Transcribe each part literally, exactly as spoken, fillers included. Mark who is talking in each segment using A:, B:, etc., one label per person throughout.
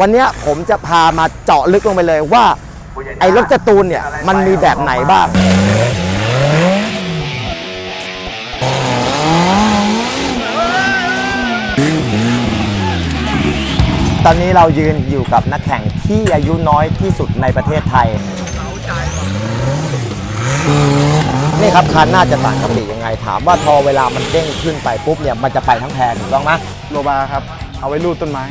A: วันนี้ผมจะพามาเจาะลึกลงไปเลยว่าไอ้รถการ์ตูนเนี่ยมันมีแบบไหนบ้างตอนนี้เรายืนอยู่กับนักแข่งที่อายุน้อยที่สุดในประเทศไทยนี่ครับคันน่าจะต่างกับปียังไงถามว่าพอเวลามันเด้งขึ้นไปปุ๊บเนี่ยมันจะไปทั้งแพรถูกต้องไหม
B: โลบาครับเอาไว้ลูดต้นไม้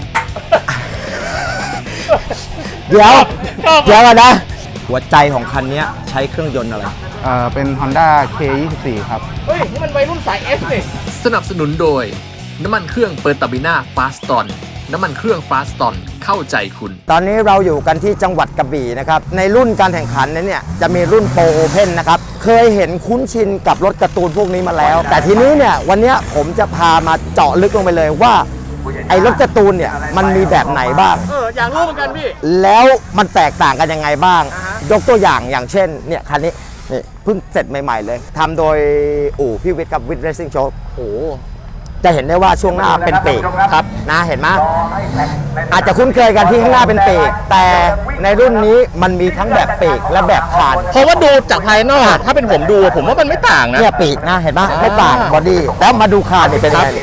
A: เดี๋ยวเดี๋ยวกันนะหัวใจของคันนี้ใช้เครื่องยนต์อะไร
B: เอ่อเป็น Honda เค ยี่สิบสี่ ครับ
C: เฮ้ยนี่มันวัยรุ่นสาย F นี่
D: สนับสนุนโดยน้ำมันเครื่องเปอร์ตาบิน่าฟาสตอนน้ำมันเครื่องฟาสตอนเข้าใจคุณ
A: ตอนนี้เราอยู่กันที่จังหวัดกระบี่นะครับในรุ่นการแข่งขันนั้นเนี่ยจะมีรุ่นโปรโอเพนนะครับเคยเห็นคุ้นชินกับรถการ์ตูนพวกนี้มาแล้วแต่ทีนี้เนี่ยวันนี้ผมจะพามาเจาะลึกลงไปเลยว่าไอ้รถการ์ตูนเนี่ยมันมีแบบไหนบ้าง
C: เอออยากรู้เหมือนกันพี่
A: แล้วมันแตกต่างกันยังไงบ้างยกตัวอย่างอย่างเช่นเนี่ยคันนี้นี่เพิ่งเสร็จใหม่ๆเลยทำโดยอู่พี่วิทย์กับวิทย์เรซซิ่งโชว์โอ้จะเห็นได้ว่าช่วงหน้าเป็นปีกครับนะเห็นไหมอาจจะคุ้นเคยกันที่ข้างหน้าเป็นปีกแต่ในรุ่นนี้มันมีทั้งแบบปีกและแบบคาน
C: เพราะว่าดูจากภายนอกถ้าเป็นผมดูผมว่ามันไม่ต่างนะ
A: เนี่ยปีกนะเห็นไหมไม่ต่างบอดี้แล้วมาดูคานนี่เป็นยังไง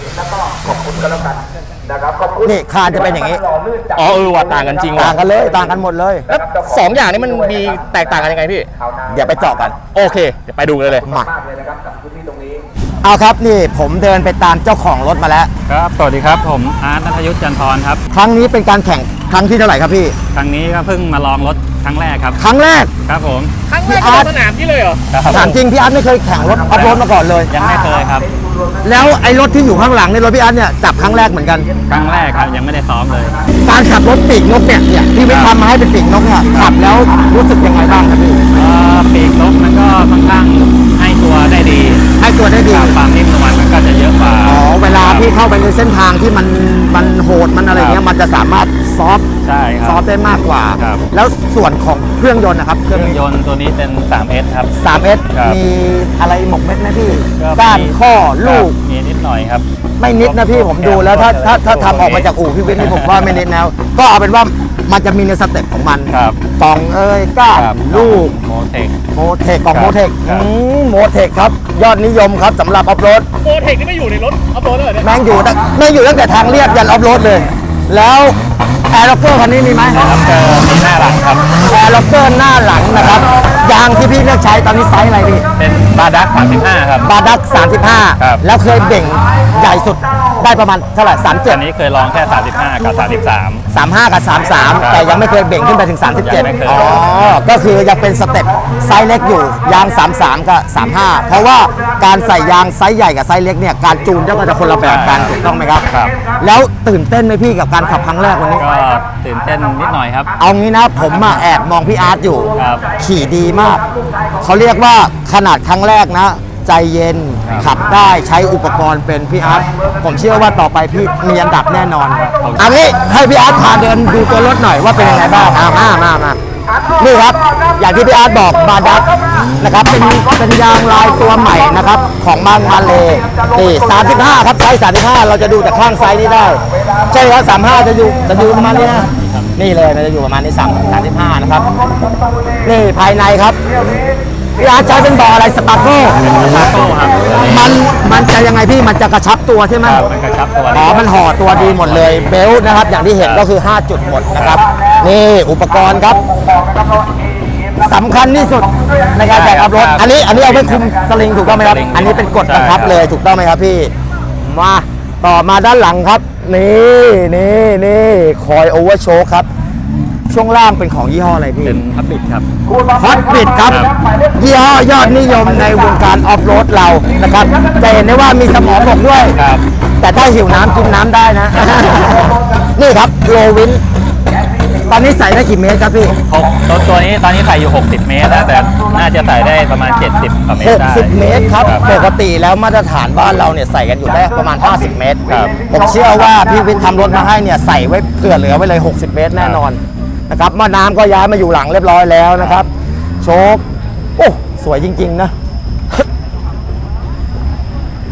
A: นี่คานจะเป็นอย่างนี้
C: อ๋อเออว่าต่างกันจริง
A: ต่างกันเลยต่างกันหมดเลย
C: แล้วสองอย่างนี้มันมีแตกต่างกันยังไงพี่
A: เดี๋ยวไปเจาะกัน
C: โอเคเดี๋ยวไปดูเลยเลย
A: มาเอาครับนี่ผมเดินไปตามเจ้าของรถมาแล้ว
E: ครับสวัสดีครับผมอาร์ต ณัฐยุทธ จันทรครับ
A: ครั้งนี้เป็นการแข่งครั้งที่เท่าไหร่ครับพี่
E: ครั้งนี้ก็เพิ่งมาลองรถครั้งแรกครับ
A: ครั้งแรก
E: ครับผม
C: ครั้งแรกในสนามที่เลยเหรอ
A: ถามจริงพี่อาร์ตไม่เคยแข่งรถออฟโรดมาก่อนเลย
E: ยังไม่เคยครับ
A: แล้วไอ้รถที่อยู่ข้างหลังในรถพี่อาร์ตเนี่ยจับครั้งแรกเหมือนกัน
E: ครั้งแรกครับยังไม่ได้ซ้อมเลย
A: การขับรถปีกนกเนี่ยเนี่ยพี่วิทย์ทำมาให้เป็นปีกนกเนี่ยขับแล้วรู้สึกยังไงบ้างครับพี่
E: ปีกนกมันก็ค่อนข้างให้ตัวได้ดี
A: ให้ตัวได้ดี
E: ความนิ่มนวลมันก็จะเยอะกว่า
A: อ๋อเวลาพี่เข้าไปในเส้นทางที่มันมันโหดมันอะไรเงี้ยมันจะสามารถซอฟ
E: ใช่ครับ
A: ซอฟได้มากกว่าแล้วส่วนของเครื่องยนต์นะครับ
E: เครื่องยนต์ตัวนี้เป็น ทรี เอส ครับ
A: ทรี เอส มีอะไรหมกเม็ดไหมพี่ก้านข้อลูก
E: มีนิดหน่อยครับ
A: ไม่นิดนะพี่ผมดูแล้วถ้าถ้าถ้าทำออกมาจากอู่พี่วิทย์นี่ผมว่าไม่นิดแล้วก็เอาเป็นว่ามันจะมีในสเต็ปของมันกล่องเอ้ยก้านลูก
E: โมเทค
A: โมเทคกล่องโมเทคโมเทคครับยอดนิยมครับสำหรับออฟโรด
C: โมเทคนี่ไม่อยู่ในรถออฟโรดเลยเนี่ย
A: แม่งอยู่ตั้งแม่งอยู่ตั้งแต่ทางเรียบยันออฟโรดเลยแล้วแอร์ล็อกเกอร์คันนี้มีไหม
E: ครับเจอมีหน้าหลังครับ
A: แอร์ล็อกเกอร์หน้าหลังนะครับยางที่พี่เลือกใช้ตอนนี้ไซส์อะไรพี่
E: เป็นบาดักสามสิบห้าครับ
A: บาดักสามสิบห้าแล้วเคยเบ่งใหญ่สุดได้ประมาณเท่าไหร่สามสิบเจ็ด
E: อันนี้เคยลองแค่สามสิบห้ากับสามสิบสาม
A: สามสิบห้ากับสามสิบสามแต่ยังไม่เคยเบ่งขึ้นไปถึงสามสิบเจ็ดอ๋อก็คือยังเป็นสเต็ปไซส์เล็กอยู่ยางสามสิบสามกับสามสิบห้าเพราะว่าการใส่ยางไซส์ใหญ่กับไซส์เล็กเนี่ยการจูนก็จะคนละแบบกันถูกต้องไหมครับแล้วตื่นเต้นไหมพี่กับการขับครั้งแรกวันนี้
E: ก็ตื่นเต้นนิดหน่อยครับ
A: เอางี้นะผมมาแอบมองพี่อาร์ตอยู่ขี่ดีมากเขาเรียกว่าขนาดครั้งแรกนะใจเย็นขับได้ใช้อุปกรณ์เป็นพี่อาร์ตผมเชื่อว่าต่อไปพี่มีอันดับแน่นอนอันนี้ให้พี่อาร์ตพาเดินดูตัวรถหน่อยว่าเป็นยังไงบ้างมามามานี่ครับอย่างที่พี่อาร์ตบอกบาดักนะครับเป็นเป็นยางลายตัวใหม่นะครับของบางมาเลนี่สามสิบห้าครับไซส์สามสิบห้าเราจะดูจากข้างไซส์นี้ได้ใช่ครับสามสิบห้าจะอยู่จะอยู่ประมาณนี้นะนี่เลยมันจะอยู่ประมาณนี้สามสามสิบห้านะครับนี่ภายในครับพี่อาร์ตใช้เป็นบ่ออะไรสปาร์โก้
E: สปาร์โก้ครับ
A: มันมันจะยังไงพี่มันจะกระชับตัวใช่ไหม
E: มันกระชับตัว
A: อ๋อมันห่อตัวดีหมดเลยเบลต์นะครับอย่างที่เห็นก็คือห้าจุดหมดนะครับนี่อุปกรณ์ครับสำคัญที่สุดในการแข่งขับรถอันนี้อันนี้เอาไว้คุมสลิงถูกต้องไหมครับอันนี้เป็นกฎบังคับเลยถูกต้องไหมครับพี่มาต่อมาด้านหลังครับนี่นี่นี่คอยโอเวอร์โชว์ครับช่วงล่างเป็นของยี่ห้ออะไรพี่
E: เป็นฮอตบิทครับ
A: ฮอตบิทครับยี่ห้อยอดนิยมในวงการออฟโรดเรานะครับจะเห็นได้ว่ามีสมองบอกด้วยแต่ถ้าหิวน้ำกินน้ำได้นะนี่ครับโลวินตอนนี้ใส่ได้กี่เมตรครับพี่
E: ตัวตัวนี้ตอนนี้ใส่อยู่หกสิบเมตรแล้วแต่น่าจะใส่ได้ประมาณเจ็ดสิบเมตร
A: หกสิบเมตรครับปกติแล้วมาตรฐานบ้านเราเนี่ยใส่กันอยู่ได้ประมาณห้าสิบเมตรผมเชื่อว่าพี่วิทย์ทำรถมาให้เนี่ยใส่ไว้เผื่อเหลือไว้เลยหกสิบเมตรแน่นอนนะครับมาน้ำก็ย้ายมาอยู่หลังเรียบร้อยแล้วนะครับโชคโอ้สวยจริงๆนะ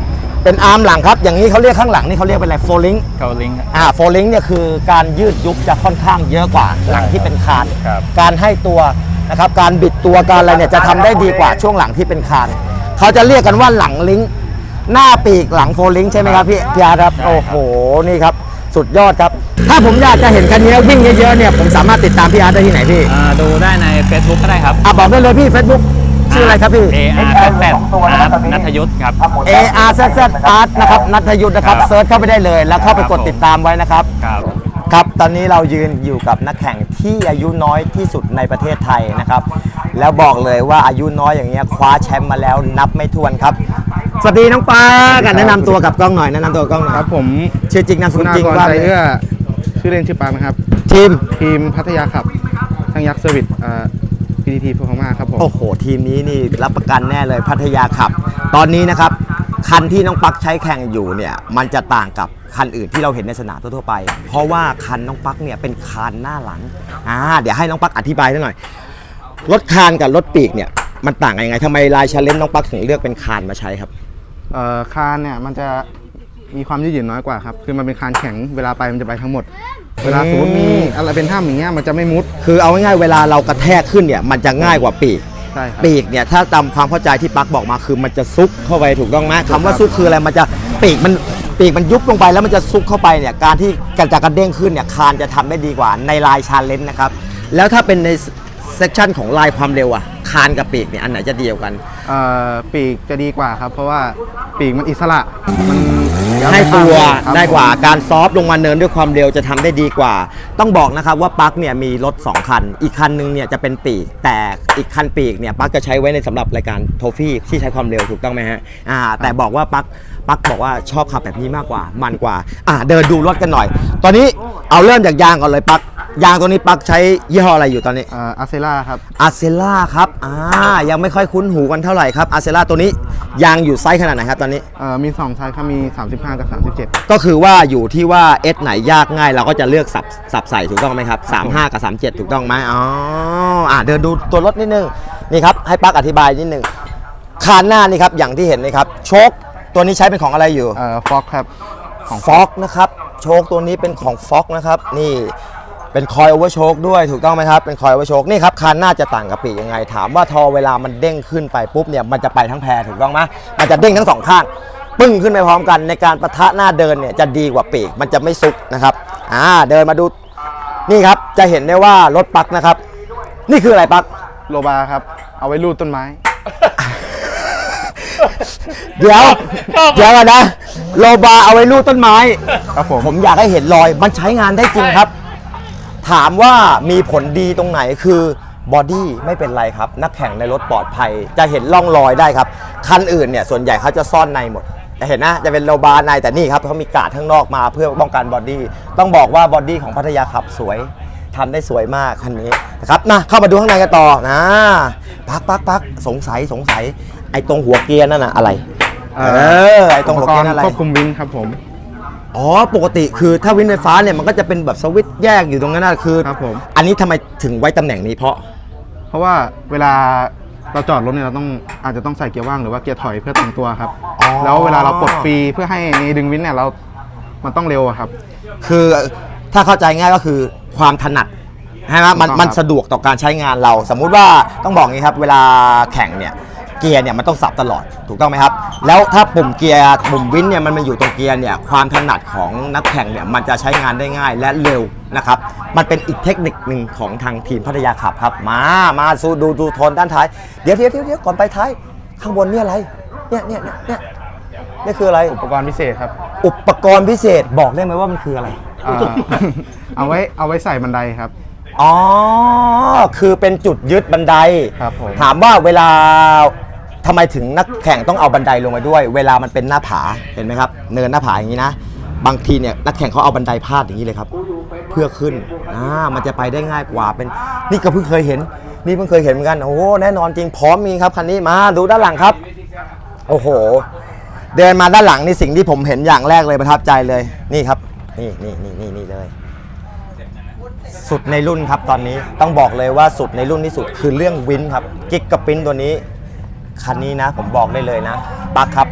A: เป็นอาร์มหลังครับอย่างนี้เขาเรียกข้างหลังนี่เขาเรียกเป็นอะไรโฟลิง
E: เกาลิง
A: อ่าโฟลิงเนี่ยคือการยืดยุบจะค่อนข้างเยอะกว่าหลังที่เป็นคาน
E: ครับ
A: การให้ตัวนะครับการบิดตัวการอะไรเนี่ยจะทำได้ดีกว่าช่วงหลังที่เป็นคานเขาจะเรียกกันว่าหลังลิงก์หน้าปีกหลังโฟลิงใช่ไหมครับพี่พี่อาร์ตครับโอ้โหนี่ครับสุดยอดครับถ้าผมอยากจะเห็นคันนี้วิ่งเยอะๆเนี่ยผมสามารถติดตามพี่อาร์ตได้ที่ไหนพี่
E: อ่าดูได้ใน Facebook ก็ได้ครับ
A: อ่ะบอกได้เลยพี่ Facebook ชื่ออะไรครับพี่
E: A R Z Z อาร์ตนัทยุทธครับ
A: A R Z Z Art นะครับนัทยุทธนะครับ
E: ครับ
A: เซิร์ชเข้าไปได้เลยแล้วเข้าไปกด
E: ครับ
A: ติดตามไว้นะครับ
E: ครับ
A: ครับตอนนี้เรายืนอยู่กับนักแข่งที่อายุน้อยที่สุดในประเทศไทยนะครับแล้วบอกเลยว่าอายุน้อยอย่างเงี้ยคว้าแชมป์มาแล้วนับไม่ถ้วนครับสวัสดีน้องปากันแนะนำตัวกับกล้องหน่อยแนะนำตัวกับกล้องหน่อย
B: ครับผม
A: ชื่อจริงนามสกุลจริง
B: คุณ
A: ว่า
B: ใจเอื้อชื่อเล่นชื่อปาล์มนะครับ
A: ทีม
B: ทีมพัทยาขับช่างยักษ์เซอร์วิสอ่า พี ที ที พม่าครับผม
A: โอ้โหทีมนี้นี่รับประกันแน่เลยพัทยาขับ ตอนนี้นะครับคันที่น้องปักใช้แข่งอยู่เนี่ยมันจะต่างกับคันอื่นที่เราเห็นในสนามทั่วๆไป เพราะว่าคันน้องปักเนี่ยเป็นคานหน้าหลังอ่าเดี๋ยวให้น้องปักอธิบายหน่อยรถคานกับรถปีกเนี่ยมันต่างกันยังไงทำไมลายชาเลนจ์น้องปักถึงเลือกเป็นคานมาใช้ครับ
B: เอ่อคานเนี่ยมันจะมีความยืดหยุ่นน้อยกว่าครับคือมันเป็นคานแข็งเวลาไปมันจะไปทั้งหมด เวลาสมมติมีอะไรเป็นถ้ำอย่างเงี้ยมันจะไม่มุด
A: คือเอาง่ายๆเวลาเรากระแทกขึ้นเนี่ยมันจะง่ายกว่าปีก
B: ใช่ครับ
A: ปีกเนี่ยถ้าตามความเข้าใจที่ปักบอกมาคือมันจะซุกเข้าไปถูกต้องไหมคำว่าซุกคืออะไรมันจะปีกมันปีกมันยุบลงไปแล้วมันจะซุกเข้าไปเนี่ยการที่การจะกระเด้งขึ้นเนี่ยคานจะทำได้ดีกว่าในลายชาเลนจ์นะครับแล้วถ้าเป็นในเซกชันของลายความเร็วอะคานกับปีกเนี่ยอันไหนจะดีกว่ากัน
B: เอ่อปีกจะดีกว่าครับเพราะว่าปีกมันอิสระมัน
A: ให้ตัว
B: ครับ
A: ได้กว่า
B: ผม
A: การซอฟต์ลงมาเนินด้วยความเร็วจะทำได้ดีกว่า ต้องบอกนะครับว่าปักเนี่ยมีรถสองคัน อีกคันนึงเนี่ยจะเป็นปีกแต่อีกคันปีกเนี่ยปักจะใช้ไว้ในสำหรับรายการโทฟี่ที่ใช้ความเร็วถูกต้องไหมฮะอ่าแต่บอกว่าปักปักบอกว่าชอบขับแบบนี้มากกว่ามันกว่าอ่าเดินดูรถกันหน่อย ตอนนี้เอาเริ่มจากยางก่อนเลยปักยางตัวนี้ปักใช้ยี่ห้ออะไรอยู่ตอนนี้
B: เอ่ออาเซล่าครับ
A: อาเซล่าครับอ่ายังไม่ค่อยคุ้นหูกันเท่าไหร่ครับอาเซล่าตัวนี้ยางอยู่ไซส์ขนาดไหนครับตอนนี้
B: เอ่อมีสองไซส์ครับมีสามสิบห้ากับสามสิบเจ็ด
A: ก็คือว่าอยู่ที่ว่าเอสไหนยากง่ายเราก็จะเลือกสับสับใส่ถูกต้องไหมครับสามสิบห้ากับสามสิบเจ็ดถูกต้องไหมอ๋ออ่าเดินดูตัวรถนิดนึงนี่ครับให้ปักอธิบายนิดนึงคานหน้านี่ครับอย่างที่เห็นนี่ครับโชคตัวนี้ใช้เป็นของอะไรอยู่
B: เอ่อฟ็อกครับของ
A: ฟ็อกนะครับโชคตัวนี้เป็นของฟ็อกนะครับนี่เป็นคอยโอเวอร์โชคด้วยถูกต้องไหมครับเป็นคอยโอเวอร์โชคนี่ครับคานหน้าจะต่างกับปีกยังไง ถามว่าทอเวลามันเด้งขึ้นไปปุ๊บเนี่ยมันจะไปทั้งแพรถูกต้องไหมมันจะเด้งทั้งสองข้างปึ้งขึ้นไปพร้อมกันในการปะทะหน้าเดินเนี่ยจะดีกว่าปีกมันจะไม่ซุกนะครับอ่าเดินมาดูนี่ครับจะเห็นได้ว่ารถปักนะครับนี่คืออะไรปัก
B: โลบาครับเอาไว้ลูดต้นไม้
A: เดี๋ยวเดี๋ยวก่อนนะโลบาเอาไว้ลูดต้นไม้
B: ครับผม
A: ผมอยากให้เห็นรอยมันใช้งานได้จริงครับ ถามว่ามีผลดีตรงไหนคือบอดี้ไม่เป็นไรครับ นักแข่งในรถปลอดภัย จะเห็นร่องรอยได้ครับ คันอื่นเนี่ยส่วนใหญ่เขาจะซ่อนในหมดจะเห็นนะจะเป็นโลบาในแต่นี่ครับเขามีกาดข้างนอกมาเพื่อป้องกันบอดี้ต้องบอกว่าบอดี้ของพัทยาขับสวยทำได้สวยมากคันนี้นะครับนะเข้ามาดูข้างในกันต่อนะปักปักปักสงสัยสงสัยไอ้ตรงหัวเกียร์นั่นน่ะอะไร
B: เอ่
A: เอ
B: อ
A: อไอ้ตรงหัวเกียร์นั่นอะไร
B: ควบคุมวินครับผม
A: อ๋อปกติคือถ้าวินไฟฟ้าเนี่ยมันก็จะเป็นแบบสวิตช์แยกอยู่ตรงนั้นนะคือ
B: ครับผม
A: อันนี้ทำไมถึงไว้ตำแหน่งนี้เพราะ
B: เพราะว่าเวลาเราจอดรถเนี่ยเราต้องอาจจะต้องใส่เกียร์ว่างหรือว่าเกียร์ถอยเพื่อตรงตัวครับ
A: อ๋อ
B: แล้วเวลาเราปลดฟรีเพื่อให้ดึงวินเนี่ยเรา มันต้องเร็วอะครับ
A: คือถ้าเข้าใจง่ายก็คือความถนัดใช่ไหมมัน
B: ถูกต้อง
A: มัน
B: ครับ
A: สะดวกต่อการใช้งานเรา สมมุติว่าต้องบอกงี้ครับเวลาแข่งเนี่ยเกียร์เนี่ยมันต้องสับตลอดถูกต้องไหมครับแล้วถ้าปุ่มเกียร์ปุ่มวินเนี่ยมันมาอยู่ตรงเกียร์เนี่ยความถนัดของนักแข่งเนี่ยมันจะใช้งานได้ง่ายและเร็วนะครับมันเป็นอีกเทคนิคหนึ่งของทางทีมพัทยาขับครับมามาสู้ดูดูโทนด้านท้ายเดี๋ยวเดี๋ยวเดี๋ยวเดี๋ยวก่อนไปท้ายข้างบนเนี่ยอะไรเนี่ยเนี่ยเนี่ยเนี่ยนี่คืออะไร
B: อุปกรณ์พิเศษครับ
A: อุปกรณ์พิเศษบอกได้ไหมว่ามันคืออะไร
B: อ่า เอาไว้เอาไว้ใส่บันไดครับ
A: อ๋อ คือเป็นจุดยึดบันได
B: ครับผม
A: ถามว่าเวลาทำไมถึงนักแข่งต้องเอาบันไดลงมาด้วย เวลามันเป็นหน้าผา เห็นไหมครับ เนินหน้าผาอย่างนี้นะ บางทีเนี่ยนักแข่งเขาเอาบันไดพาดอย่างนี้เลยครับ เพื่อขึ้น อ่า มันจะไปได้ง่ายกว่า เป็น นี่ก็เพิ่งเคยเห็น นี่เพิ่งเคยเห็นเหมือนกัน โอ้โหแน่นอนจริง พร้อมมีครับคันนี้ มาดูด้านหลังครับ โอ้โห เดินมาด้านหลังนี่สิ่งที่ผมเห็นอย่างแรกเลยประทับใจเลย นี่ครับ นี่นี่นี่นี่นี่เลย สุดในรุ่นครับตอนนี้ต้องบอกเลยว่าสุดในรุ่นที่สุดคือเรื่องวินครับกิ๊กกับปิ้นตัวนี้คันนี้นะผมบอกได้เลยนะปักครับ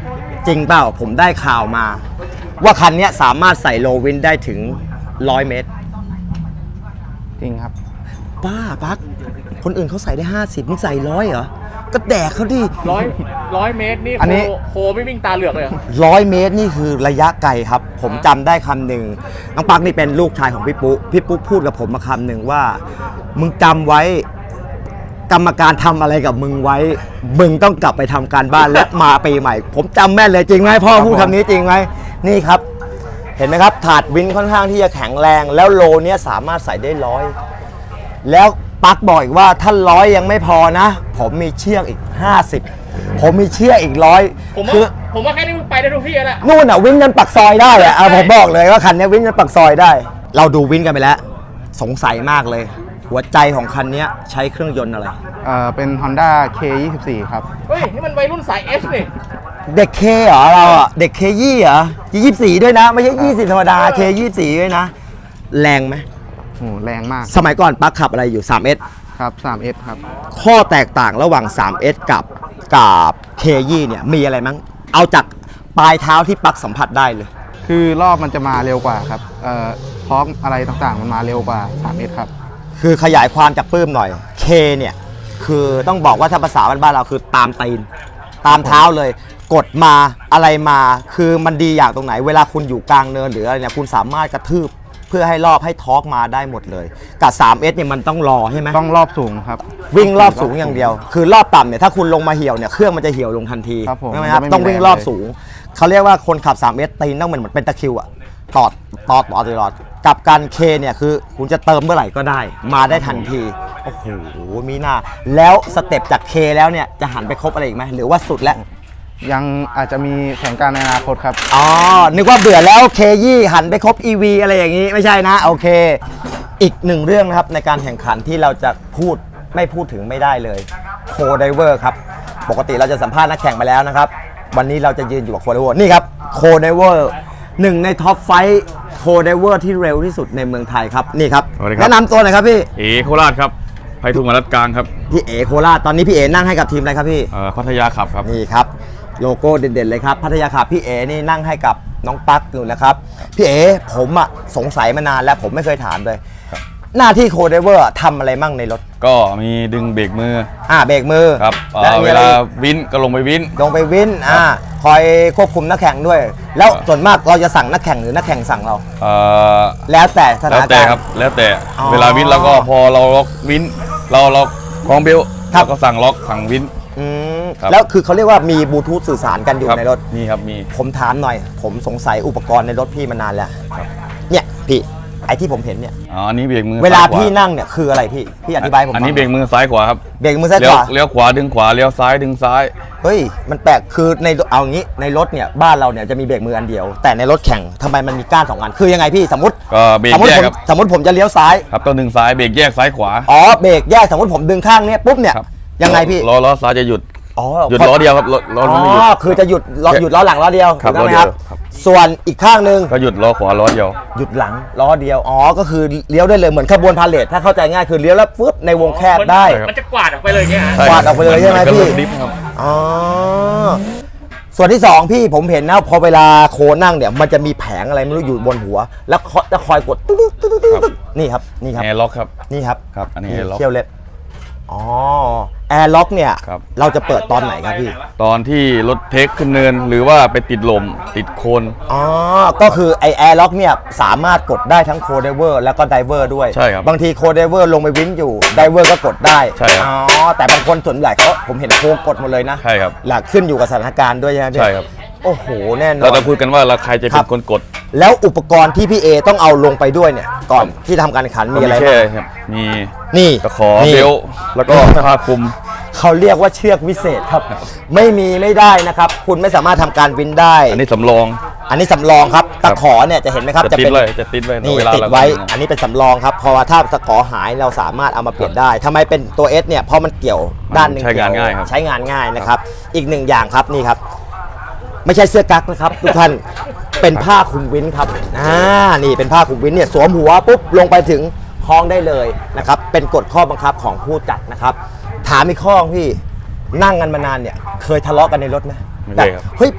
A: จริงเปล่าผมได้ข่าวมา ว่าคันเนี้ยสามารถใส่โลวินได้ถึงร้อยเมตร
B: จริงครับ
A: ป้าปักคนอื่นเขาใส่ได้ห้าสิบมึงใส่ร้อยเหรอก็แดกเขาดิ
C: ร้อยร้อยเมตรนี่
B: อันนี้
C: โคโคไม่วิ่งตาเหลือกเลยเหรอ
A: ร้อยเมตรนี่คือระยะไกลครับ ผมจำได้คำหนึ่งน้องปักนี่เป็นลูกชายของพี่ปุ๊พี่ปุ๊พูดกับผมมาคำหนึ่งว่า มึงจำไว้ กรรมการทำอะไรกับมึงไว้ มึงต้องกลับไปทำการบ้านและมาปีใหม่ ผมจำแม่นเลยจริงไหมพ่อพูดคำนี้จริงไหมนี่ครับ เห็นไหมครับ ถาดวินค่อนข้างที่จะแข็งแรง แล้วโลเนี้ยสามารถใส่ได้ร้อยแล้วปักบอกอีกว่าถ้าร้อยยังไม่พอนะ ผมมีเชือกอีกห้าสิบผมมีเชือกอีกร้อย
C: ผมว่า
A: คือ
C: ผมว่าแค่นี้มึงไปได้ทุกที่แล้วแหละ
A: นู่นอ่ะวินยันปักซอยได้อะเอาผมบอกเลยว่าคันนี้วินยันปักซอยได้ เราดูวินกันไปแล้ว สงสัยมากเลย หัวใจของคันนี้ใช้เครื่องยนต์อะไร
B: เอ่อเป็น Honda เค ยี่สิบสี่ ครับ
C: เฮ้ย นี่มันวัยรุ่นสาย H นี่
A: เด็กเคเหรอเราอ่ะเด็กเคยี่เหรอยี่สิบสี่ด้วยนะ ไม่ใช่ยี่สิบธรรมดาเคยี่สิบสี่ด้วยนะ แรงไหม
B: โห แรงมาก
A: สมัยก่อนปักขับอะไรอยู่ ทรี เอส
B: ครับ ทรี เอส ครับ
A: ข้อแตกต่างระหว่าง ทรี เอส กับกับเคยี่เนี่ยมีอะไรมั้งเอาจากปลายเท้าที่ปักสัมผัสได้เลย
B: คือรอบมันจะมาเร็วกว่าครับ เอ่อทอร์กอะไรต่างๆ มันมาเร็วกว่า ทรี เอส ครับ
A: คือขยายความจากปื้มหน่อย K เนี่ยคือต้องบอกว่าถ้าภาษาบ้านๆเราคือตามตีน ตามเท้าเลย กดมาอะไรมาคือมันดีอย่างตรงไหน เวลาคุณอยู่กลางเนินหรืออะไรเนี่ยคุณสามารถกระทืบเพื่อให้รอบให้ทอร์กมาได้หมดเลยกับ ทรี เอส เนี่ยมันต้องรอใช่ไหม
B: ต้องรอบสูงครับ
A: วิ่งรอบสูงอย่างเดียว คือรอบต่ำเนี่ยถ้าคุณลงมาเหี่ยวเนี่ยเครื่องมันจะเหี่ยวลงทันที
B: ครับผม
A: ใช่ไหมครับ
B: มันจะไม่มี
A: ต้องวิ่งรอบสูงเขาเรียกว่าคนขับ ทรี เอส ตีนต้องเหมือนเหมือนเป็นตะคริวอะตอดตอดตอดตลอดกับการเคเนี่ยคือคุณจะเติมเมื่อไหร่ก็ได้ มาได้ทันทีโอ้โหมีหน้าแล้วสเต็ปจากเคแล้วเนี่ยจะหันไปครบอะไรอีกไหมหรือว่าสุดแล้ว
B: ยังอาจจะมีแผนการในอนาคตครับ
A: อ๋อนึกว่าเบื่อแล้วเคยี่หันไปครบ อี วี อะไรอย่างนี้ไม่ใช่นะโอเค อีกหนึ่งเรื่องนะครับในการแข่งขันที่เราจะพูดไม่พูดถึงไม่ได้เลยโคไดเวอร์ครับปกติเราจะสัมภาษณ์นักแข่งไปแล้วนะครับวันนี้เราจะยืนอยู่กับโคไดเวอร์นี่ครับโคไดเวอร์หนึ่งในท็อปไฟท์โคไดเวอร์ที่เร็วที่สุดในเมืองไทยครับนี่ครับ
F: สวัสดีครับ
A: แนะนำตัวหน่อยครับพี่
F: เอโคราชครับไพฑูรย์มารัดกลางครับ
A: พี่เอโคราชตอนนี้พี่เอนั่งให้กับทีมอะไรครับพี่
F: เอ่อพัทยาขับครับ
A: นี่ครับโลโก้เด่นๆเลยครับพัทยาขับพี่เอนี่นั่งให้กับน้องปักอยู่นะครับพี่เอผมอะสงสัยมานานแล้วผมไม่เคยถามเลย หน้าที่โคไดเวอร์ทำอะไรมั่งในรถ
F: ก็มีดึงเบรกมือ
A: อ่าเบรกมือ
F: ครับเอ่
A: และ
F: อ
A: มี
F: เว
A: อะไร
F: ลา
A: อีก
F: วินก็ลงไปวิน
A: ลงไปวินอ่าคอยควบคุมนักแข่งด้วย แล้วส่วนมากเราจะสั่งนักแข่งหรือนักแข่งสั่งเรา
F: เอ่อ
A: แล้วแต่สถา
F: แล้ว
A: น
F: แต่
A: การณ์
F: ครับแล้วแต่
A: อ๋อ
F: เวลาวินเราก็พอเราล็อกวินเราล็อกคล้องเบลต์
A: ครับ
F: เราก็สั่งล็อกสั่งวิน
A: อืม
F: ครับ
A: แล้วคือเขาเรียกว่ามีบลูทูธสื่อสารกันอยู่
F: ครับ
A: ในรถ
F: นี่ครับมี
A: ผมถามหน่อย ผมสงสัยอุปกรณ์ในรถพี่มานานแล้ว
F: ครับ
A: เนี่ยพี่ไอที่ผมเห็นเนี่ย
F: อ๋ออันนี้เบรกมือ
A: เวลา
F: ซ้ยข
A: พี่นั่งเนี่ยคืออะไรพี่พี่อธิบายให้ผม
F: อันนี้
A: ฟัง
F: เบรกมือซ้ายขวาครับ
A: เบรกมือซ้าย
F: เลี้
A: ข
F: ยว
A: วา
F: เลี้ยวขวาดึงขวาเลี้ยวซ้ายดึงซ้าย
A: เฮ้ยมันแปลกคือในเอางี้ในรถเนี่ยบ้านเราเนี่ยจะมีเบรกมืออันเดียว แต่ในรถแข่งทำไมมันมีก้านสองอันคือยังไงพี่สมมติ
F: ก็เบรก
A: สมมติ
F: แยก
A: ผม
F: ครับ
A: สมมติผมจะเลี้ยวซ้าย
F: ครับต้องดึงซ้ายเบรกแยกซ้ายขวา
A: อ๋อเบรกแยกสมมติผมดึงข้างเนี้ยปุ๊บเนี่ย
F: ครับ
A: ยังไงพี่
F: ล้อล้อซ้ายจะหยุด
A: อ๋อ
F: หยุดล้อเดียวครับล้อล้อ
A: อ๋
F: นั้นไม่หยุด
A: อคือจะหยุดล้อหยุดล้อหลังล้อเดียว
F: ครับ
A: ถูกต้องไหม
F: ล้อเดียว
A: ครับ
F: ครับ
A: ส่วนอีกข้างหนึ่ง
F: ก็หยุดล้อขวาล้อเดียว
A: หยุดหลังล้อเดียวอ๋อก็คือเลี้ยวได้เลยเหมือนขบวนพาเหรดถ้าเข้าใจง่ายคือเลี้ยวแล้วฟึบในวงแคบได้
C: มันจะกวาดออกไปเลยเนี่ยฮะ
F: ใช่
A: กวาดออกไปเลยใช่ไหม
F: นก็
A: พี่
F: เริ่ดิฟครับ
A: อ๋อส่วนที่สองพี่ผมเห็นนะพอเวลาโคนั่งเนี่ยมันจะมีแผงอะไรไม่รู้อยู่บนหัว แล้วเขาจะคอยกดตึ๊ดตึ๊ดตึ๊ดตึ๊ดตึ๊ดนี่ครับนี่ครับ
F: แอร์ล็อกครับ
A: นี่ครับ
F: ครับอันนี้ air lock
A: เขี้ยวเล็บอ๋อแอร์ล็อกเนี่ย
F: ครับ
A: เราจะเปิดตอนไหนครับพี่
F: ตอนที่รถเทคขึ้นเนินหรือว่าไปติดลมติดโคน
A: อ๋อ ก็คือไอแอร์ล็อกเนี่ยสามารถกดได้ทั้งโคไดเวอร์แล้วก็ไดเวอร์ด้วย
F: ใช่ครับ
A: บางทีโคไดเวอร์ลงไปวินอยู่ไดเวอร์ก็กดได้
F: ใช่ครับ
A: อ๋อ แต่บางคนส่วนใหญ่เขาผมเห็นโคกดหมดเลยนะ
F: ใช่ครับ
A: หลักขึ้นอยู่กับสถานการณ์ด้วยใช่ไหมพี่
F: ใช่ครับ
A: โอ้โห แน่นอ
F: เรา
A: น
F: จะคุยกันว่าเราใครจะ
A: ครั
F: เป็
A: บ
F: นคนกด
A: แล้วอุปกรณ์ที่พี่เอต้องเอาลงไปด้วยเนี่ย ก่อนที่ทำการแข่งขันมีอะไร
F: แค่
A: บ้าง
F: ครับมี
A: นี่
F: ตะขอ
A: นี่
F: เบลต์แล้วก็ผ้าคลุม
A: เขาเรียกว่าเชือกวิเศษครับ ไม่มีไม่ได้นะครับ คุณไม่สามารถทำการวินได้
F: อันนี้สำรอง
A: อันนี้สำรองครับตะขอเนี่ยจะเห็นไหมครับ
F: จะติด
A: เป็น
F: ไว้จะติดไว้
A: นี่
F: เวลา
A: ติด
F: เรา
A: ไว้
F: ก็
A: อันนี้เป็นสำรองครับเพราะว่าถ้าตะขอหายเราสามารถเอามาเปลี่ยนได้ทำไมเป็นตัว S เนี่ยเพราะมันเกี่ยวด้านหนึ่ง
F: ใช้งาน
A: เกี่ว
F: ง่ายครับ
A: ใช้งานง่ายนะครับ อีกหนึ่งอย่างครับนี่ครับ ไม่ใช่เสื้อกั๊กนะครับ ทุกท่านเป็นผ้าคลุมวินครับอ่านี่เป็นผ้าคลุมวินเนี่ยสวมหัวปุ๊บลงไปถึงคล้องได้เลยนะครับเป็นกฎข้อบังคับของผู้จัดนะครับ ถามอีกข้อพี่นั่งกันมานานเนี่ยเคยทะเลาะกันในรถไหม
F: ไม่เคยครับ
A: เฮ้ย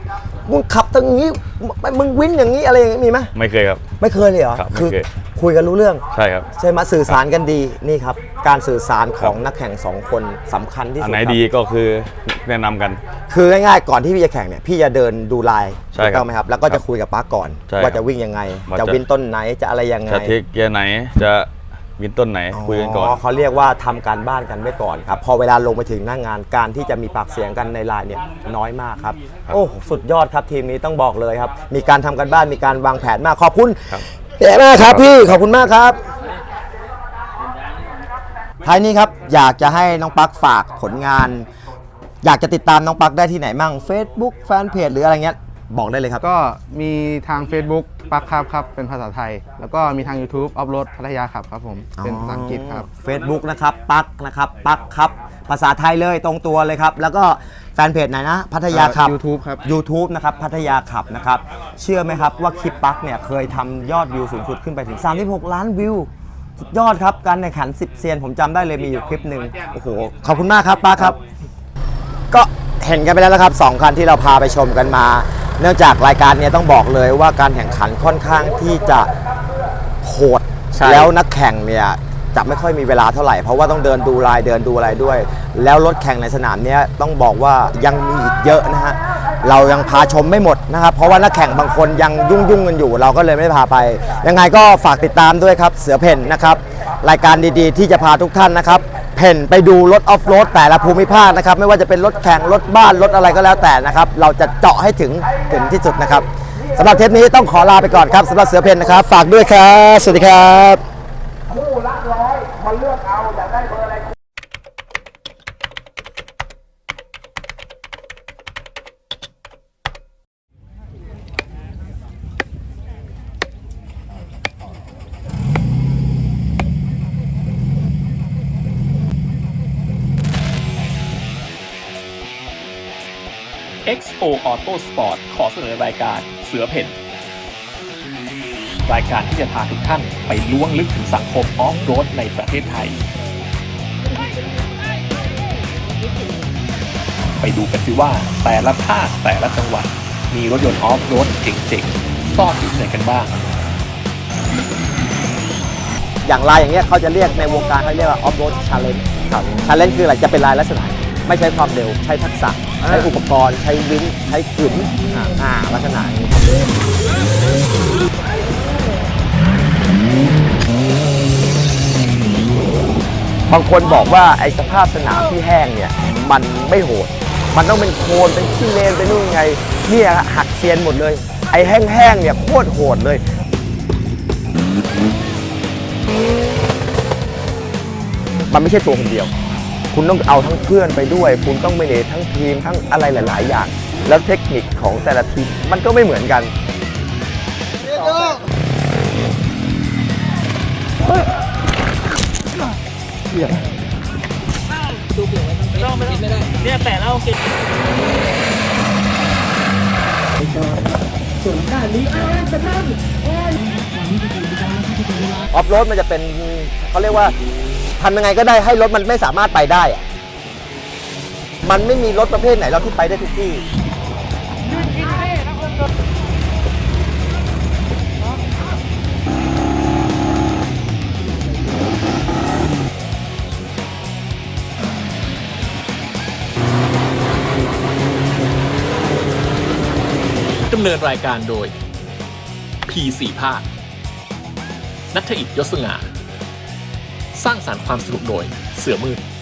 A: มึงขับทางนี้มึงวินอย่างนี้อะไรอย่างนี้มีไหม
F: ไม่เคยครับ
A: ไม่เคยเลยเหรอ
F: ครับไม่
A: คือ
F: เคย
A: คุยกันรู้เรื่อง
F: ใช่ครับ
A: ใช่ไหมสื่อสารกันดีนี่ครับการสื่อสารของนักแข่งสองคนสำคัญที่
F: อั
A: สุ
F: น
A: ด
F: ไหน
A: ครับ
F: ดีก็คือแนะนำกัน
A: คือง่ายๆก่อนที่พี่จะแข่งเนี่ยพี่จะเดินดูไลน์
F: ใช่
A: ถูก
F: ครับ
A: ต้องไหมครับแล้วก็จะคุยกับป้าก่อน
F: ใช่ครับ
A: ว่าจะวิ่งยังไง
F: ว่า
A: จะ
F: จะ
A: วิ่งต้นไหนจะอะไรยังไง
F: จะเทคเกียร์ไหนจะวินต้นไหนคุยกันก่อน
A: เขาเรียกว่าทำการบ้านกันไว้ก่อนครับพอเวลาลงไปถึงหน้างานการที่จะมีปากเสียงกันในไลน์เนี่ยน้อยมากครับ
F: ครับ
A: โอ้สุดยอดครับทีมนี้ต้องบอกเลยครับมีการทำกันบ้านมีการวางแผนมากขอบคุณ
F: ครับ
A: เก๋มากครับพี่ขอบคุณมากครับท้ายนี้ครับอยากจะให้น้องปักฝากผลงาน อยากจะติดตามน้องปักได้ที่ไหนมั่ง Facebook แฟนเพจหรืออะไรเงี้ยบอกได้เลยครับ
B: ก็มีทาง Facebook ปักครับครับ เป็นภาษาไทย แล้วก็มีทาง YouTube ออฟโรดพัทยาขับครับผม เป็นภาษาอังกฤษครับ
A: Facebook นะครับปักนะครับปักครับภาษาไทยเลยตรงตัวเลยครับ แล้วก็แฟนเพจไหนนะ พัทยาขับ
B: เอ่อ YouTube ครับ
A: YouTube นะครับพัทยาขับนะครับ เชื่อไหมครับว่าคลิปปักเนี่ยเคยทำยอดวิวสูงสุดขึ้นไปถึง สามสิบหก ล้านวิว สุดยอดครับ การแข่งขันสิบเซียนผมจำได้เลยมีอยู่คลิปหนึ่งโอ้โห ขอบคุณมากครับปักครับ ก็เห็นกันไปแล้วนะครับสองคันที่เราพาไปชมกันมา เนื่องจากรายการเนี้ต้องบอกเลยว่าการแข่งขันค่อนข้างที่จะโหด
E: ใช่
A: แล้วนักแข่งเนี่ยจะไม่ค่อยมีเวลาเท่าไหร่เพราะว่าต้องเดินดูลายเดินดูอะไรด้วย แล้วรถแข่งในสนามเนี้ยต้องบอกว่ายังมีอีกเยอะนะฮะเรายังพาชมไม่หมดนะครับเพราะว่านักแข่งบางคนยังยุ่งยุ่งๆกันอยู่ เราก็เลยไม่ได้พาไป ยังไงก็ฝากติดตามด้วยครับเสือเพ่นนะครับรายการดีๆ ที่จะพาทุกท่านนะครับเพ่นไปดูรถออฟโรดแต่ละภูมิภาคนะครับไม่ว่าจะเป็นรถแข่งรถบ้านรถอะไรก็แล้วแต่นะครับเราจะเจาะให้ถึงถึงที่สุดนะครับสำหรับเทปนี้ต้องขอลาไปก่อนครับสำหรับเสือเพ่นนะครับฝากด้วยครับสวัสดีครับ
D: เอ็กซ์ โอ Auto Sport ขอเสนอรายการเสือเพ่นรายการที่จะพาทุกท่านไปล้วงลึกถึงสังคมออฟโรดในประเทศไทย ไปดูกันสิว่าแต่ละภาคแต่ละจังหวัดมีรถยนต์ออฟโรดเจ๋งๆซ่อนอยู่ที่ไหนกันบ้าง
A: อย่างลายอย่างเงี้ยเขาจะเรียกในวงการเขาเรียกว่า off road challenge ครับ challenge คืออะไรจะเป็นลายลักษณะไม่ใช้ความเร็วใช้ทักษะใช้อุปกรณ์ใช้วินใช้กึ๋นอ่าลักษณะนี้บางคนบอกว่าไอ้สภาพสนามที่แห้งเนี่ยมันไม่โหดมันต้องเป็นโคลนเป็นขี้เลนเป็นนู่นไงเนี่ยหักเซียนหมดเลยไอ้แห้งๆเนี่ยโคตรโหดเลยมันไม่ใช่ตัวคนเดียวคุณต้องเอาทั้งเพื่อนไปด้วยคุณต้องไม่เนทั้งทีมทั้งอะไรหลายๆอย่างแล้วเทคนิคของแต่ละทีมมันก็ไม่เหมือนกันออฟโรดมันจะเป็นเขาเรียกว่าทำยังไงก็ได้ให้รถมันไม่สามารถไปได้อะมันไม่มีรถประเภทไหนเราที่ไปได้ทุกที่
D: ดำเนินรายการโดย พี สี่ ภาคณัฐอิทธิ์ ยศสง่า สร้างสรรค์ความสนุกโดยเสือมืด